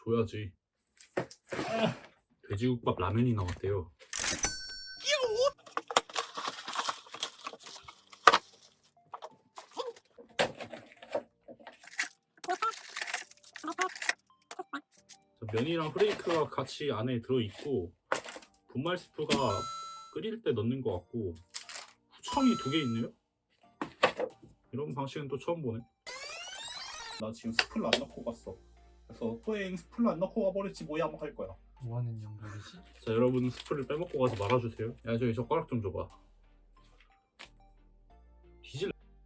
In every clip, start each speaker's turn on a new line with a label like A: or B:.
A: 줘야지. 돼지국밥 라면이 나왔대요. 면이랑 프레이크가 같이 안에 들어있고 분말 스프가 끓일 때 넣는 것 같고 후청이 2개 있네요? 이런 방식은 또 처음 보네. 나 지금 스프를 안 넣고 갔어. 그래서 또행 스프를 안 넣고 가버렸지 뭐야 뭐 할 거야.
B: 뭐하는 영감이지?
A: 자, 여러분 스프를 빼먹고 가서 말아주세요. 야, 저기 젓가락 좀 줘봐. 뒤질.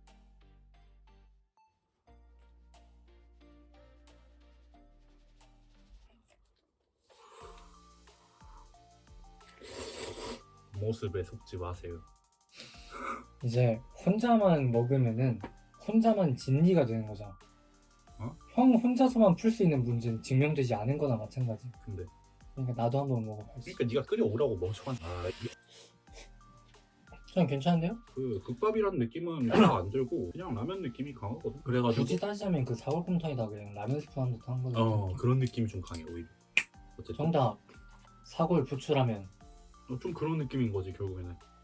A: 모습에 속지 마세요.
B: 이제 혼자만 먹으면은 혼자만 진리가 되는 거잖아.
A: 어?
B: 형 혼자서만 풀 수 있는 문제는 증명되지 않은 거나 마찬가지.
A: 근데
B: 그러니까 나도 한번 먹어봐야지.
A: 그러니까 네가 끓여오라고 멍청한. 아,
B: 형 괜찮은데요?
A: 그 국밥이라는 느낌은 별로 안 들고 그냥 라면 느낌이 강하거든. 그래가지고
B: 굳이 따지자면 그 사골곰탕에다 그냥 라면 스프 한 듯한 거죠.
A: 그런 느낌이 좀 강해 오히려. 어쨌든
B: 정답 사골 부추라면.
A: 좀 그런 느낌인 거지 결국에는.